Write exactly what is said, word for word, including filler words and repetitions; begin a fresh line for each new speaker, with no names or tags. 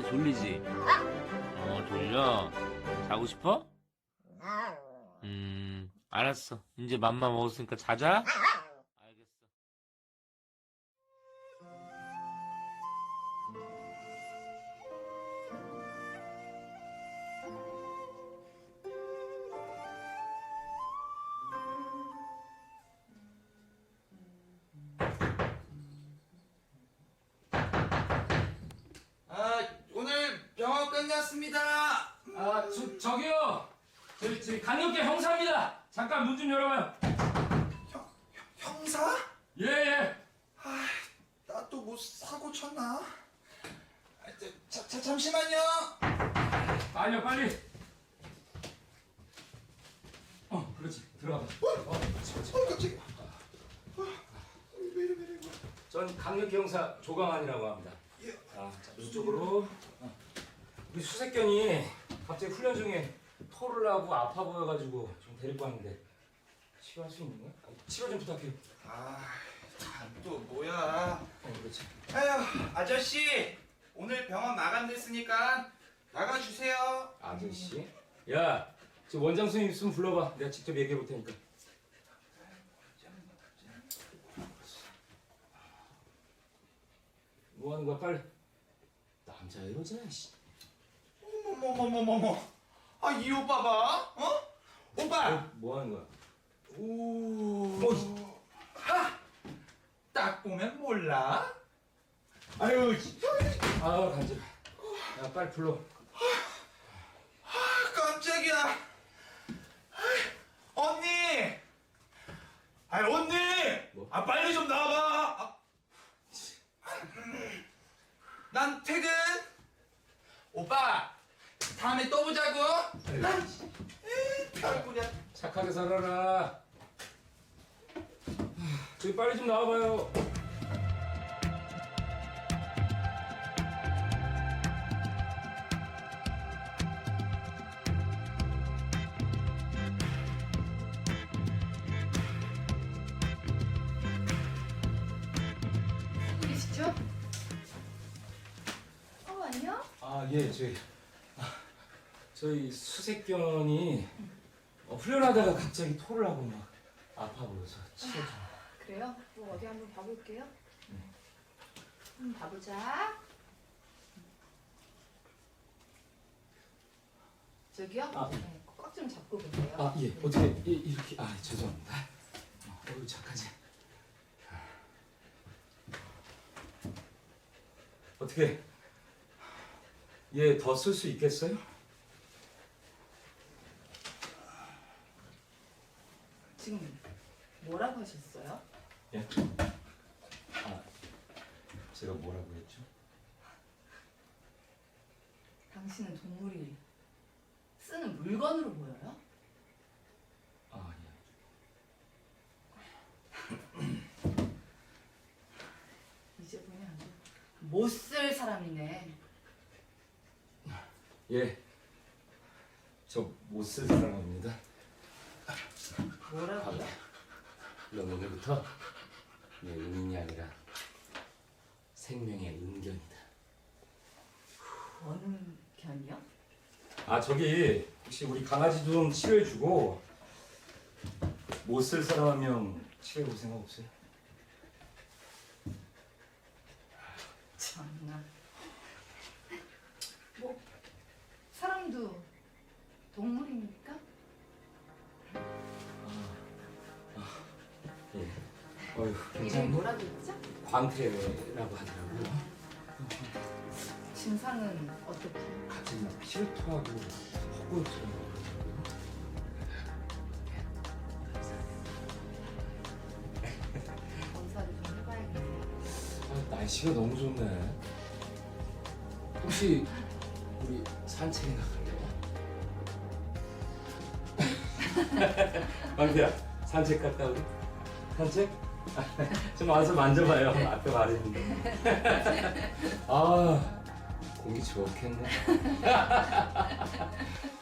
졸리지? 어, 졸려? 자고 싶어? 음, 알았어. 이제 맘마 먹었으니까 자자? 알겠어.
아, 오늘 병원 끝났습니다.
아, 저, 저기요! 저, 저, 강력계 형사입니다! 잠깐 문 좀 열어봐요.
형, 형, 형사?
예, 예.
아, 나 또 뭐 사고 쳤나? 아, 저, 자, 자, 잠시만요.
빨리요, 빨리. 어, 그렇지. 들어가봐. 어, 그렇지, 그렇지.
어, 갑자기. 아, 왜 이래, 왜 이래, 이거.
전 강력계 형사 조강환이라고 합니다.
예.
자, 자, 이쪽으로. 어. 우리 수색견이 갑자기 훈련 중에 토를 하고 아파 보여가지고 좀 데리고 왔는데 치료할 수 있는 거야? 아니, 치료 좀 부탁해요.
아, 참, 또 뭐야.
어, 그렇지.
아휴, 아저씨. 오늘 병원 마감됐으니까 나가주세요.
아저씨? 야, 저 원장 선생님 있으면 불러봐. 내가 직접 얘기해 볼 테니까. 뭐 하는 거야, 빨리. 남자 여자, 씨.
어머머머머머머. 아, 이 오빠 봐. 어? 오빠.
어, 뭐 하는 거야?
오. 하! 딱 보면 몰라? 아유, 진짜.
아, 간지러. 야, 빨리 불러.
아, 깜짝이야. 아이, 언니. 아, 언니.
뭐?
아, 빨리 좀 나와봐. 아. 난 퇴근. 오빠, 다음에 또 보자고. 에이, 별꼴이야.
착하게 살아라. 저기 빨리 좀 나와봐요.
누구시죠? 어, 안녕?
아, 예, 저희. 아, 저희 수색견이 어, 훈련하다가 갑자기 토를 하고 막 아파 보여서 치료 좀.
그래요? 뭐 어디 한번 봐볼게요. 한번 봐보자. 저기요?
아.
네, 꽉 좀 잡고 보세요.
아, 예. 어떻게 이, 이렇게 아, 죄송합니다. 어, 어우, 착하지. 어떻게 얘 더 쓸 수 있겠어요?
지금 뭐라고 하셨어요?
예. 아, 제가 뭐라고 했죠?
당신은 동물이 쓰는 물건으로 보여요?
아,
이제 보면 못 쓸 사람이네.
예. 예. 저 못 쓸 사람입니다.
뭐라고요?
넌 오늘부터 내 은인이 아니라 생명의 은견이다.
어느 견이요?
아, 저기 혹시 우리 강아지 좀 치료해주고 못 쓸 사람 한 명 치료해볼 생각 없어요?
참나. 뭐 사람도 동물입니까?
예. 어휴,
이름이
괜찮네.
뭐라고 했죠?
광태라고 하더라고요.
증상은 어떻게?
갑자기 막 피를 토하고 헛구역처럼.
검사를 좀 해봐야겠네요.
아, 날씨가 너무 좋네. 혹시 우리 산책에 나갈래요? 광태야, 산책 갔다 우리? 산책? 좀 와서 만져봐요. 앞에 말했는데. 아, 공기 좋겠네.